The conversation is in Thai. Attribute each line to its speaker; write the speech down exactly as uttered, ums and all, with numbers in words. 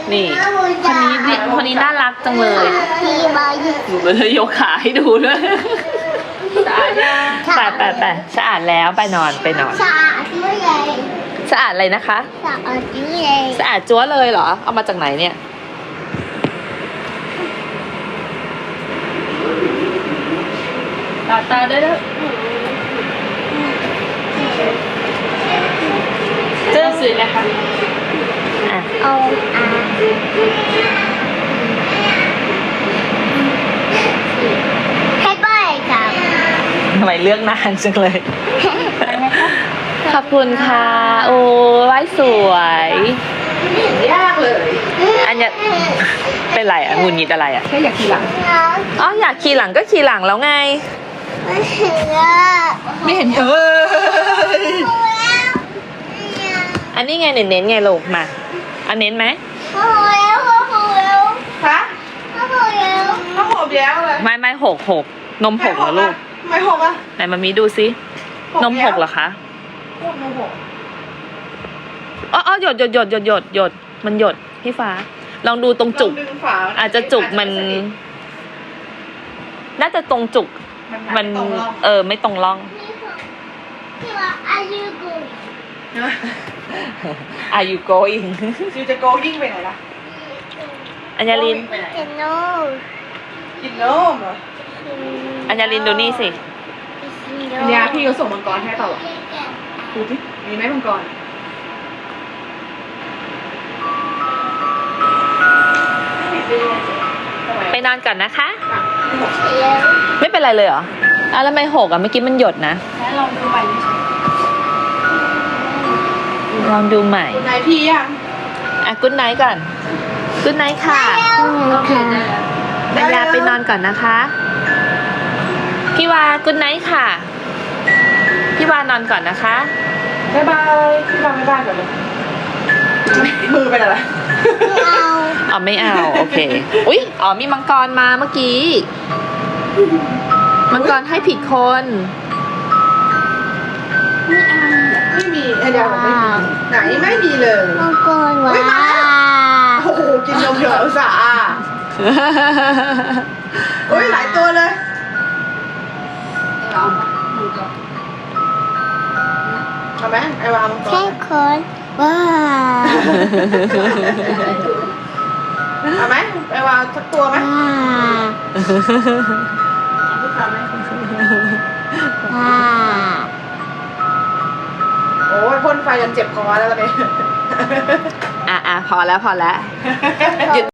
Speaker 1: นี่คนนี้ดิคนนี้น่ารักจังเลยหนูก็เลยยกขาให้ดูด้วยไปไปไปสะอาดแล้วไปนอนไปนอน
Speaker 2: สะอาดด้วยเลย
Speaker 1: สะอาดอะไรนะคะ
Speaker 2: สะอาดด้วยเลย
Speaker 1: สะอาดจั๊วเลยเหรอเอามาจากไหนเนี่ยตาตาได้แล้วเจ้าสื่อนะคะอ่ะ
Speaker 2: เอาอ่ะให้ป้ายจับ
Speaker 1: ทำไมเลือกนานจังเลยขอบคุณค่ะโอ้ไว้สวยยากเลยอันเนี้ยเป็นไรอ่ะงุนงิดอะไรอ่ะแค่อยากขี่หลังอ๋ออยากขี่หลังก็ขี่หลังแล้วไง
Speaker 2: ไม่เห็นอ่ะ
Speaker 1: ไม่เห็นเอออันนี้ไงเน้นๆไงลูกมาอันเน้นไหม
Speaker 2: พอแล้วพอแล้ว
Speaker 3: คะ
Speaker 2: พอแล้ว
Speaker 3: ข้าวหอมแล้วเลย
Speaker 1: ไม่ไม่หกหกนมหกเหรอลูก
Speaker 3: ไม่หกอ่ะ
Speaker 1: ไหนมามีดูซินมหกเหรอคะ
Speaker 3: นมหก
Speaker 1: อ๋ออ๋อหยดหยดหยดหยดหยดหยดมันหยดพี่ฟ้าลองดูตรงจุกอาจจะจุกมันน่าจะตรงจุกมันเออไม่ตรงร่อง
Speaker 2: พี่ว่า are you going
Speaker 1: Are you going
Speaker 3: ยูจะโกยิ่งไปไหนล่ะ
Speaker 1: อัญญาลิน
Speaker 2: กินนม
Speaker 3: กินนมเหรอ
Speaker 1: อัญญาลินดูนี่สิ
Speaker 3: อัญญาพี่เขาส่งมังกรให้ต่อหรอดูสิมีไหมมังกร
Speaker 1: ไปนอนก่อนนะคะไม่เป็นไรเลยเหรออ่ะแล้วไม่หกอ่ะเมื่อกี้มันหยดนะ
Speaker 3: แล้วลองดูใหม่
Speaker 1: ลองดูใหม่
Speaker 3: คุณนายพี่ยัง
Speaker 1: อ่ะกุ๊ดไนท์ก่อนกุ๊ดไนท์ค่ะอัญญาไปนอนก่อนนะคะพี่วากุ๊ดไนท์ค่ะพี่วานอนก่อนนะคะ
Speaker 3: บ๊ายบายพี่วาบ๊ายบายก่อนเลยมือเป็นอะไร
Speaker 2: ไม่เอา
Speaker 1: อ๋อไม่เอาโอเคอุ๊ยอ๋อมีมังกรมาเมื่อกี้มังกรให้ผิดคน
Speaker 3: ไม่มีไอเดียไม่มีไหนไม่มีเลย
Speaker 2: มังกรว้า
Speaker 3: โอ้โหกินนมเถอะอุตส่าห์โอ้ยหลายตัวเลยเอาไหมไอวามังกร
Speaker 2: แค่คนว้า
Speaker 3: เอาไหมไอวาสักตัวไหม
Speaker 2: ว้า
Speaker 3: โอ้ยพ่นไฟจนเจ็บคอแล้วตอนนี้
Speaker 1: อ่ะอ่ะพอแล้วพอแล้วหยุด